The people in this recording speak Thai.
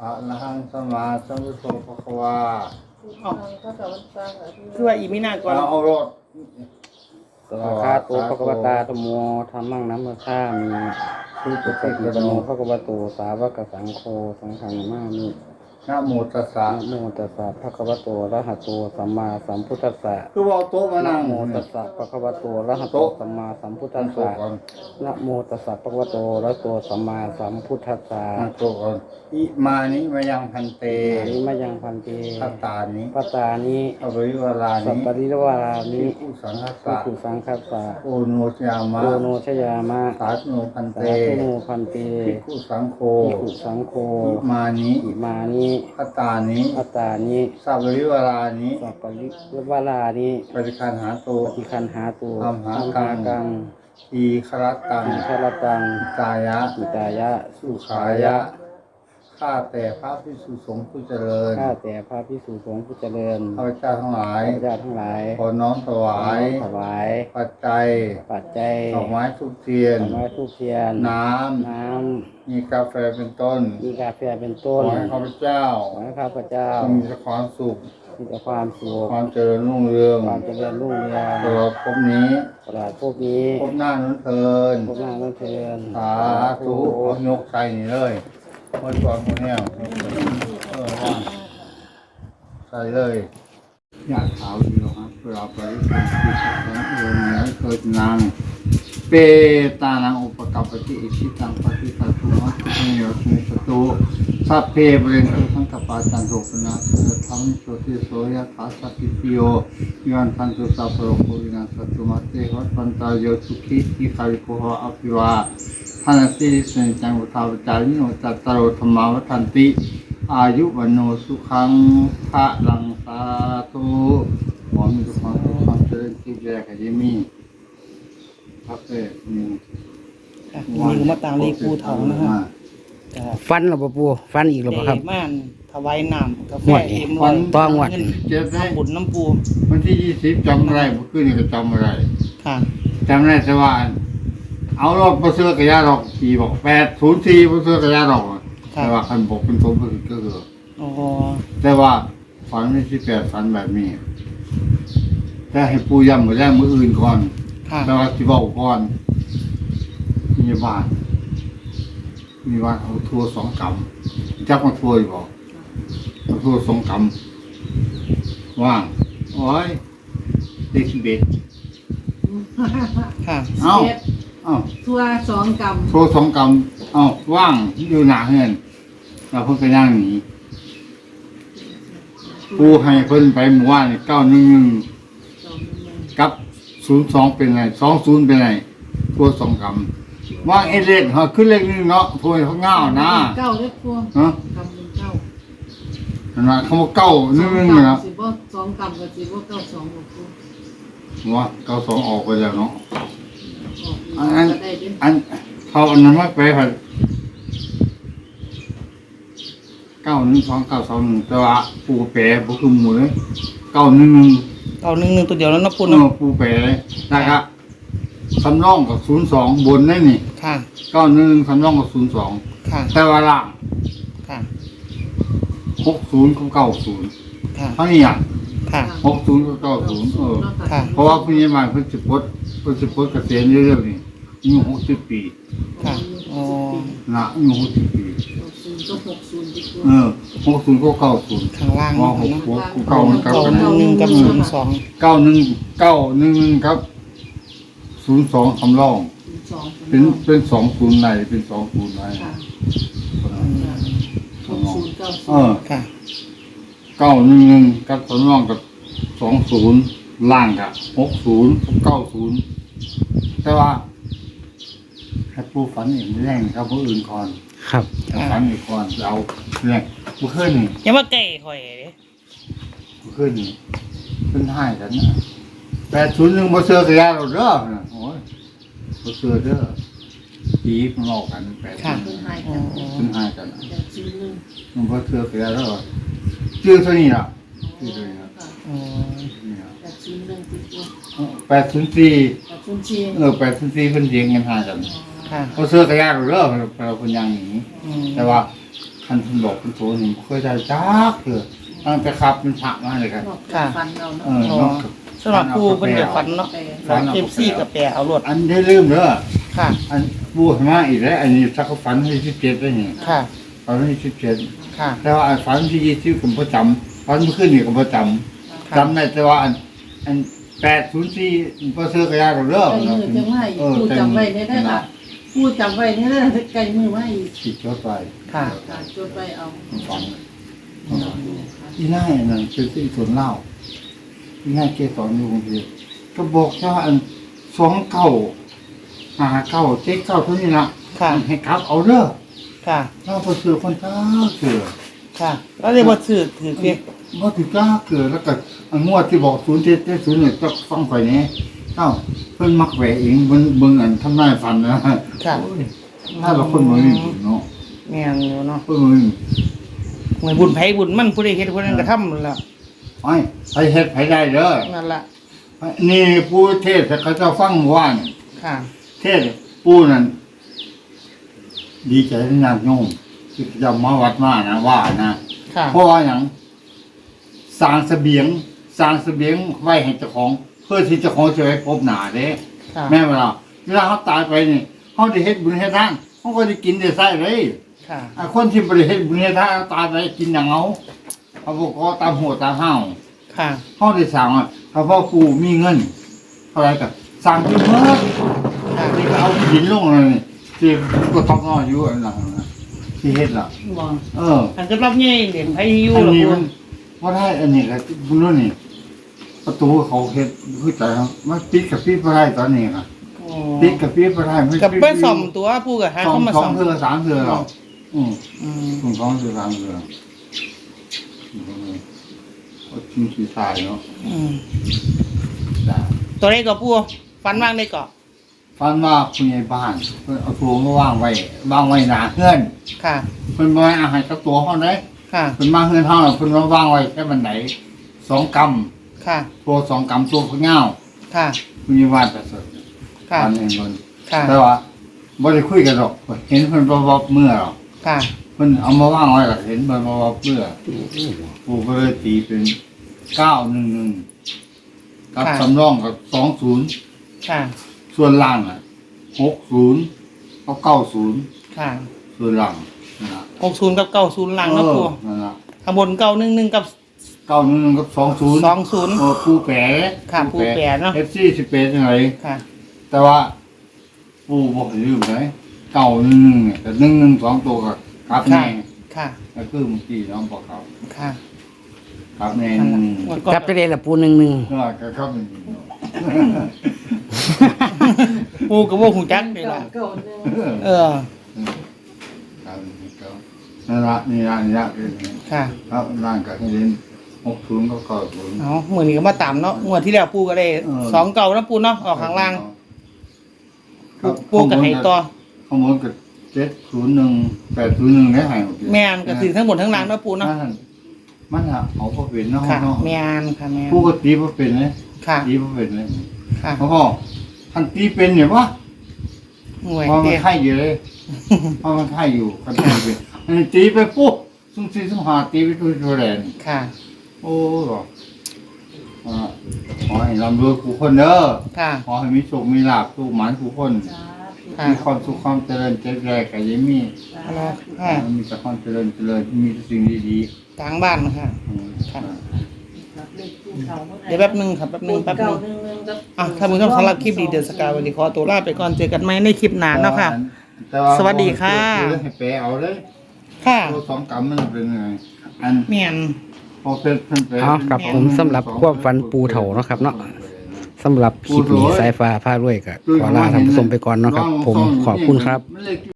อะระหังสัมมาสัมพุทโธภควาคือว่าอีมินาก่อนเอารถสวากขาโตภควตาธัมโมธัมมังนัมมะฆามีสุปฏิปันโนภควโตสาวกสังโฆสังฆังนามามินะโมตัสสะนะโมตัสสะภะคะวะโตอะระหะโตสัมมาสัมพุทธัสสะคือว่าโต๊ะมานะนั่งโมตัสสะภะคะวะโตอะระหะโตสัมมาสัมพุทธัสสะนะโมตัสสะภะคะวะโตอะระหะโตสัมมาสัมพุทธัสสะนั่งโต๊ะก่อนอิมานิมายังพันเตอานิมายังพันเตพัตตานิปัตตานิอภิวราสัพนิปริวารานิภิกขุสังฆภิสะกขุสังคัสสะโอโนชยามะโอโนชยามะสาธุโนพันเตสาธุโนพันเตภิกขุสังโฆภิกขุสังโฆอิมานิอิมานิพัตตานิปัตตานิสัพพริวรานิสัพปริวารานิปฏิคันหาโตปฏิคันหาตุธัมหากังกังทีครตังอิคารตังกายะอิตายะสุขายะ ข้าแต่พระภิกษุสงฆ์ผู้เจริญข้าแต่พระภิกษุสงฆ์ผู้เจริญข้าพเจ้าทั้งหลายข้าพเจ้าทั้งหลายขอน้อมถวายถวายปัจจัยปัจจัยดอกไม้ทุกเทียนดอกไม้ทูปเทียนน้น้ำ มีกาแฟเป็นต้นำมีกาแฟเป็นขต้อน ให้ข้าพเจ้าขอให้ข้าพเจ้ามีแต่ความสุขมีแต่ความสุขความเจริญรุ่งเรืองความเจริญรุ่งเรืองตลอดภพนี้ตลอดพวกนี้ภพหน้านั้นเทินพวกนางนั่นเทินสาธุเอายกใจนี่เลยเมื่อก่อนคนเนี้ยว่างใส่เลยอยากขาวดีหรอครับเวลาไปที่สัตว์นั้นเองเนี่ยเกิดนางเปตานังอุปกัปปติอิชิตังปฏิสัตตุมัสสิโยสุสตุสัพเพเบเรนตุสังกปาจันโทปนะเสธรรมโสติโสยะขาสัพพิปิโยยันทันตุสัพพโรโควินาสัตตุมัสเตหัตปันตายโยสุขิทิคาริโกหะอภิวาทานาสิริสัญจังอุทาวจาริโนจัตตารโอธรรมาวัฏันติอายุวันโนสุขังพระลังสาธุหมอมีทุกความสุขความเจริญที่แรกให้มีครับเอ้มีมีมาตามเลขปูทองนะครับฟันหรือเปล่าปูฟันอีกหรือเปล่าครับม่านถวายน้ำกาแฟงวดนี้เอ็มวัร้อน ยต้องงวดเงินเจ็บได้ทำบุญน้ำปูวันที่20จำอะไรเมื่อคืนนี่ก็จำอะไรค่ะจำได้แต่ว่าเอารถมาซื้อกระยาดอกขี่บอก804มาซื้อกระยาดอกแต่ว่าคันบอกเป็นผมก็คืออ๋อแต่ว่าฝันไม่ใช่8ฝันแบบนี้แต่ให้ปูย้ำมาแรกมืออื่นก่อนค่ะแต่ว่าที่บอกก่อนมีบ้านเอาทัวร์2 กำจับมาทัวร์อยู่บอกเอาทัวร์2 กำว่างโอ้ยเด็กเบ็ดค่ะเอ้าเอ้าทั่ว2 กำทัวร์2 กำเอ้าว่างอยู่หน้าเฮือนเราเพิ่งไปนั่งหนีปูให้เพิ่นไปหมู่บ้าน911กับ02เป็นไง20เป็นไงทัวร์2 กำว่างเอเล็กเฮาขึ้นเลข1เนาะทัวร์เขาง่าวนะเก้าเด้อพวกฮะกำ1 9 ขนาดเขาบอก911นะสิบ่2 กำก็สิบ่9 2หรอกพวกว่า92ออกไปแล้วเนาะออกอันก็ได้เด้ออันเขาอันนั้นมาไปผัด912 921แต่ว่าปูแปรบ่คือหมู่เลย911 เอาหนึ่งตัวเดียวแล้วนะปูเอเนาะอปูแปรนะครับสำรองกับ02บนนั่นนี่ค่ะ 911สำรองกับ02 ค่ะแต่ว่าล่างค่ะ 60กับ90 ค่ะเท่านี้อ่ะค่ะ 60กับ90 ค่ะเพราะว่าผู้ใหญ่บ้านเพิ่นสิปลดเกษียณเร็วๆนี่อายุ60 ปีค่ะอ๋อนะอายุ60 ปี 60ก็60ดีกเอว่าอ60ก็90 ข้างล่างว่าเนาะ 6เก้ามันเก้าหนึ่งกับ02 911ครับ02สำรอง 2 เป็น20ในเป็น20ในค่ะสำรอง 60 เออค่ะ 911กับสำรองกับ20ล่างกับ60กับ90แต่ว่าให้ผู้ฝันเห็นแรงครับผู้อื่นก่อนครับฝันอีกก่อนเราเนี่ยผู้ขึ้นนี่อย่ามาไก่ข่อยเด้ผู้ขึ้นนี่ขึ้นให้กันนะ801บ่เชื่อกระยาเราเด้อนะโอ้ยบ่เชื่อเด้อผีมันหลอกกันค่ะ 801 เพิ่นให้อ๋อกันขึ้นให้กันแต่ซื้อนึงมันบ่เชื่อกระยาเราชื่อเท่านี้ล่ะชื่อเท่านี้ล่ะค่ะอ๋อนี่ล่ะแต่ซื้อนึงดีกว่า 804 แต่ซื้อเชีย 804เพิ่นเถียงกันหากันค่ะบ่เชื่อกระยาเราเด้อเราเพิ่นยังหนีอืมแต่ว่าคันคุณบอกคุณโสนี่เคยได้จักเถอะตั้งแต่ขับเป็นผักมาเลยครับฟันเราเนาะอ๋อสำหรับปูเป็นแบบฝันเนาะเอฟซีกับแปรเอารถอันได้ลืมเด้อค่ะอันบูดมาอีกแล้วอันนี้สักฝันที่17ได้นี่ค่ะฝันที่17 ค่ะแต่ว่าอันฝันที่20ผมประจำฝันเมื่อคืนนี่ก็ประจำจำได้แต่ว่าอัน804บ่ซื้อกระยาเด้อไก่มือจังไว้ผู้จำไว้ได้ได้ค่ะผู้จำไว้ได้ได้ไก่มือไว้สิจดไว้ค่ะจดไปเอาฟังอีน่านั่นคือที่สวนเล่าอีน่าเกสรอยู่กรุงเทพก็บอกว่าอัน29 59 79เท่านี้ล่ะค่ะให้กลับเอาเด้อค่ะเราบ่ซื้อคนจ้าเสือค่ะ แล้วได้บ่ซื้อถือเพียบ่ถือกล้าเกิดแล้วก็อันงวดที่บอก0770เนี่ยต้องฟังข่อยแหน่เอ้าเพิ่นมักแหวเองเบิ่งอันทำนายฝันนะค่ะโอ้ยถ้าเราคนบ่มีบุญเนาะแม่นอยู่เนาะเพิ่นบ่มีเหมือนบุญไผบุญมันผู้ใดเฮ็ดผู้นั้นก็ทำนั่นล่ะไอ้ไปเฮ็ดไผได้เด้อนั่นล่ะนี่ผู้เทศแต่เขาเจะฟังว่านี่ค่ะเทศผู้นั้นดีใจที่ญาติโยมที่จะมาวัดมานะว่านะค่ะเพราะว่าอย่างสร้างเสบียงไว้ให้เจ้าของ เพื่อที่เจ้าของจะไปพบหน้าเด้ค่ะแม่เวลาเขาตายไปนี่เขาได้เฮ็ดบุญเฮ็ดทานเขาก็ได้กินได้ใส่เลยค่ะไอ้คนที่บ่ได้เฮ็ดบุญเฮ็ดทานตายไปกินอย่างเอาบ่ก็ตามหัวตามห้าวค่ะเขาได้สั่งว่าถ้าพ่อปู่มีเงินเท่าไหร่ก็สั่งที่เมื่อค่ะนี่ก็เอาหินลงเลยที่ก็ต้องนอนอยู่อันนั้นนะที่เฮ็ดล่ะบ่เอออันจะรับใหญ่เด่นไผอยู่อันล่ะนี้ปูมันว่าได้อันนี้ก็บุญรุ่นนี่ประตูเขาเฮ็ดคือใจเขามันปิดกับปิดบ่ได้ตอนนี้ค่ะอ๋อปิดกับปิดบ่ได้มันกับไปซ่อมตัวปูก็หาสองเข้ามาสอซ่งอมเทื่อสามเทื่อหรอกอืมอืมสองเทื่อสามเทื่อก็ทิ้งสีทายเนาะอืมจ้ะตัวใดก็ปูฟันว่างได้ก็ฟันว่าคุณยายบ้านเพิ่นเอาตัวมาวางไว้หน้าเฮือนค่ะเพิ่นบ่ให้อาหารกับตัวเฮาเด้ค่ะเพิ่นมาเฮือนเฮาเพิ่นมาวางไว้แค่บันได2 กำค่ะตัว2 กำตัวพะเงาค่ะคุณยายบ้านประเสริฐค่ะตอนนี้เพิ่นค่ะแต่ว่าบ่ได้คุยกันหรอกเห็นเพิ่นบ่เมื่อหรอกค่ะเพิ่นเอามาวางไว้ก็เห็นเพิ่นบ่เมื่อปู่ก็เลยตีเป็น911กับสำรองกับ20 ค่ะส่วนล่างอ่ะ60กับ90 ค่ะส่วนล่างนั่นล่ะ 60กับ90หลังนะปูนั่นล่ะข้างบน911กับ 91กับ20 20 ปูแปะค่ะปูแปะเนาะ FC สิเป็นจังไดค่ะแต่ว่าปูบ่ให้ลืมเลย911เนี่ยแต่112ตัวก็กลับแน่ค่ะก็คือเมื่อกี้น้องบอกเขาค่ะกลับแน่นั่นล่ะ 1 งวดก่อนกลับไปเลยละปูหนึ่งก็ครับมันปูก็บ่ฮู้จักนี่ล่ะเก่าหนึ่งเออนั่นละนี่ละคือค่ะครับร่างกับเล่น60ก็90 เอามื้อนี้ก็มาตามเนาะงวดที่แล้วปูก็ได้เออ 2เก่านะปูเนาะออกข้างล่างปูก็ให้ต่อข้างบนก็701 801ได้ให้หมดแม่นก็ถือทั้งหมดทั้งล่างเนาะปูเนาะมันเอาบ่เป็นเนาะค่ะเนาะแม่นค่ะแม่นผู้ก็ตีบ่เป็นเลยค่ะตีบ่เป็นเลยค่ะเพราะว่าท่านตีเป็นเนี่ยวะหน่วยเพราะมัเด้นไข่อยู่เลยเพราะมันไข่อยู่กันตีเป็นอันนี้ตีไปปุ๊บซุ่มสี่ซุ่มห้าตีไปตัวแรงค่ะโอ้หรอขอให้ร่ำรวยผู้คนเด้อค่ะขอให้มีโชคมีลาภทุกหมานผู้คนค่ะมีความสุขความเจริญเจริญกับยังมีค่ะมีแต่ความเจริญมีแต่สิ่งดีกลางบ้านค่ะๆอืมค่ะ เดี๋ยวแป๊บนึงครับแป๊บนึงอ่ะท่านผู้ชมสำหรับคลิปดีเดือนสกาววันนี้ขอตัวลาไปก่อนเจอกันใหม่ในคลิปหน้าเนาะค่ะแต่ว่าสวัสดีค่ะให้แปลเอาเลยค่ะตัว2 กำมันเป็นยังไงอันแม่นพอเป็นเพิ่นแปลเอาครับผมสำหรับความฝันปูเถาเนาะครับเนาะสำหรับคลิปนี้สายฟ้าพารวยก็ขอลาท่านผู้ชมไปก่อนเนาะครับ ผมขอบคุณครับ